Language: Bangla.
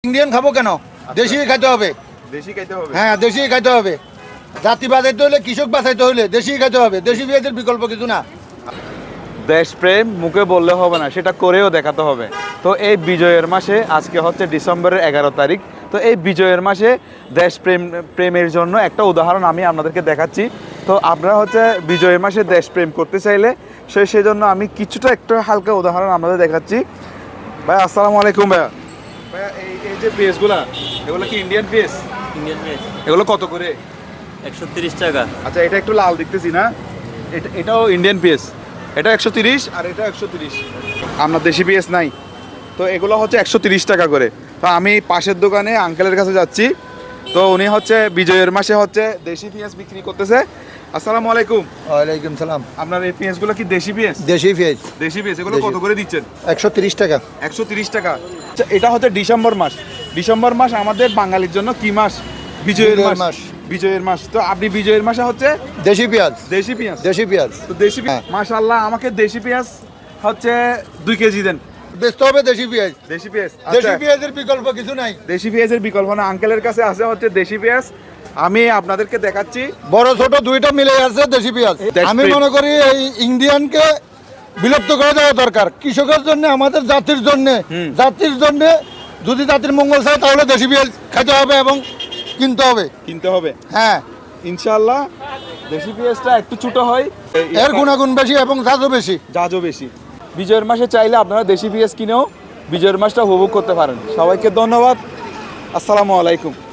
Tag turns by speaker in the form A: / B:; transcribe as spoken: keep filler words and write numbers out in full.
A: ইন্ডিয়ান খাবো কেন, দেশি খাইতে হবে।
B: দেশি খাইতে হবে,
A: হ্যাঁ দেশি খাইতে হবে। জাতি বাঁচাইতে হলে, কৃষক বাঁচাইতে হলে দেশি খাইতে হবে। দেশি পেঁয়াজের বিকল্প কিছু না।
B: দেশপ্রেম মুখে বললে হবে না, সেটা করেও দেখাতে হবে। তো এই বিজয়ের মাসে, আজকে হচ্ছে ডিসেম্বরের এগারো তারিখ, তো এই বিজয়ের মাসে দেশপ্রেম প্রেমের জন্য একটা উদাহরণ আমি আপনাদেরকে দেখাচ্ছি। তো আপনারা হচ্ছে বিজয়ের মাসে দেশপ্রেম করতে চাইলে সে সেই জন্য আমি কিছুটা একটা হালকা উদাহরণ আপনাদের দেখাচ্ছি। ভাই আসসালামু আলাইকুম। ভাইয়া ভাইয়া এই এই যে পেঁয়াজগুলা, এগুলো কি ইন্ডিয়ান পেঁয়াজ?
C: ইন্ডিয়ান পেঁয়াজ
B: এগুলো কত করে?
C: একশো তিরিশ টাকা।
B: আচ্ছা, এটা একটু লাল দেখতেছি না, এটা এটাও ইন্ডিয়ান পেঁয়াজ, এটা একশো তিরিশ আর এটা একশো তিরিশ। আপনার দেশি পেঁয়াজ নাই, তো এগুলো হচ্ছে একশো তিরিশ টাকা করে। তো আমি পাশের দোকানে আঙ্কেলের কাছে যাচ্ছি, তো উনি হচ্ছে বিজয়ের মাসে হচ্ছে দেশি পেঁয়াজ বিক্রি করতেছে। আসসালামু আলাইকুম।
A: ওয়ালাইকুম সালাম।
B: আপনার এই পেঁয়াজগুলো কি দেশি পেঁয়াজ?
A: দেশি পেঁয়াজ
B: দেশি পেঁয়াজ, এগুলো
A: দেশি।
B: কত করে দিচ্ছেন?
A: একশো তিরিশ টাকা।
B: একশো তিরিশ টাকা। আচ্ছা, এটা হচ্ছে ডিসেম্বর মাস। ডিসেম্বর মাস আমাদের বাঙালির জন্য কি মাস? বিজয়ের
A: বিজয়ের
B: মাস।
A: মাস।
B: বিজয়ের মাস। তো আপনি বিজয়ের মাসে হচ্ছে
A: দেশি পেঁয়াজ।
B: দেশি পেঁয়াজ।
A: দেশি পেঁয়াজ
B: তো দেশি পেঁয়াজ,
A: হ্যাঁ।
B: মাশাআল্লাহ, আমাকে দেশি পেঁয়াজ হচ্ছে দুই কেজি দেন।
A: বেচতে হবে দেশি পেঁয়াজ।
B: দেশি পেঁয়াজ,
A: দেশি
B: আচ্ছা,
A: পেঁয়াজের বিকল্প কিছু নাই।
B: দেশি পেঁয়াজের বিকল্প না। আঙ্কেলের কাছে আছে হচ্ছে দেশি পেঁয়াজ, আমি আপনাদেরকে দেখাচ্ছি।
A: বড় ছোট দুইটা মিলে আছে দেশি পেঁয়াজ।
B: দেশপ্রেম।
A: আমি মনে করি এই ইন্ডিয়ানকে বিলুপ্ত করে দেওয়া দরকার। কৃষকের জন্য, আমাদের জাতির জন্য,
B: হুম।
A: জাতির জন্য যদি জাতির মঙ্গল চায় তাহলে দেশি পেঁয়াজ খেতে হবে এবং কিনতে হবে।
B: কিনতে হবে,
A: হ্যাঁ,
B: ইনশাআল্লাহ। দেশি পেঁয়াজটা একটু ছোট হয়,
A: এর গুণাগুণ বেশি এবং জাতও বেশি।
B: জাজও বেশি। বিজয়ের মাসে চাইলে আপনারা দেশি পেঁয়াজ কিনেও বিজয়ের মাসটা উপভোগ করতে পারেন। সবাইকে ধন্যবাদ। আসসালামু আলাইকুম।